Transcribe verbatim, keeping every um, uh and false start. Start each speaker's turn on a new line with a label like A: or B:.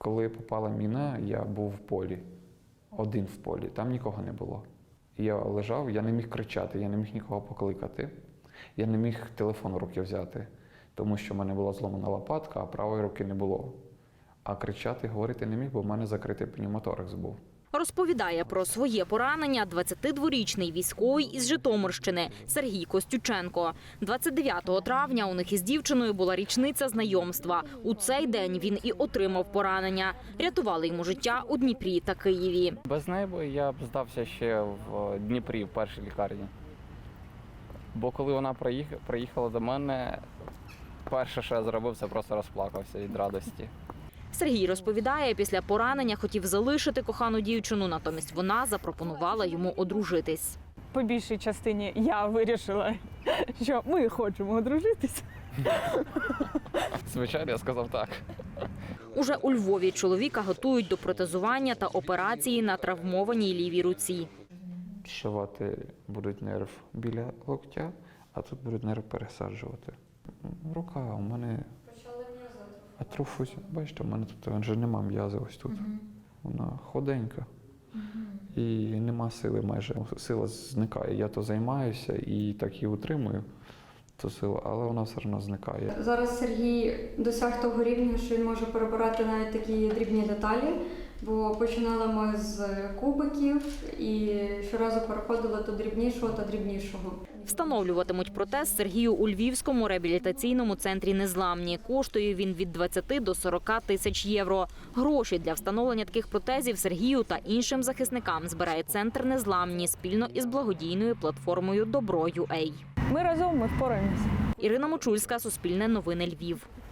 A: Коли попала міна, я був в полі, один в полі, там нікого не було. Я лежав, я не міг кричати, я не міг нікого покликати, я не міг телефон в руки взяти, тому що в мене була зломана лопатка, а правої руки не було. А кричати, говорити не міг, бо в мене закритий пневмоторакс був.
B: Розповідає про своє поранення двадцятидворічний військовий із Житомирщини Сергій Костюченко. двадцять дев'ятого травня у них із дівчиною була річниця знайомства. У цей день він і отримав поранення. Рятували йому життя у Дніпрі та Києві.
C: Без неї я б здався ще в Дніпрі, в першій лікарні. Бо коли вона приїхала до мене, перше, що я зробив, це просто розплакався від радості.
B: Сергій розповідає, після поранення хотів залишити кохану дівчину, натомість вона запропонувала йому одружитись.
D: По більшій частині я вирішила, що ми хочемо одружитись.
C: Звичайно, я сказав так.
B: Уже у Львові чоловіка готують до протезування та операції на травмованій лівій руці.
A: Зшивати будуть нерв біля локтя, а тут будуть нерв пересаджувати. Рука у мене атрофусь. Бачите, у мене тут вже нема м'язи ось тут. Вона ходенька. І нема сили майже. Сила зникає. Я то займаюся і так її утримую, ту силу, але вона все одно зникає.
E: Зараз Сергій досяг того рівня, що він може перебирати навіть такі дрібні деталі, бо починали ми з кубиків і щоразу переходили до дрібнішого та дрібнішого.
B: Встановлюватимуть протез Сергію у Львівському реабілітаційному центрі «Незламні». Коштує він від двадцяти до сорока тисяч євро. Гроші для встановлення таких протезів Сергію та іншим захисникам збирає центр «Незламні» спільно із благодійною платформою «Добро.ю ей».
D: Ми разом, ми впораємося.
B: Ірина Мочульська, Суспільне новини, Львів.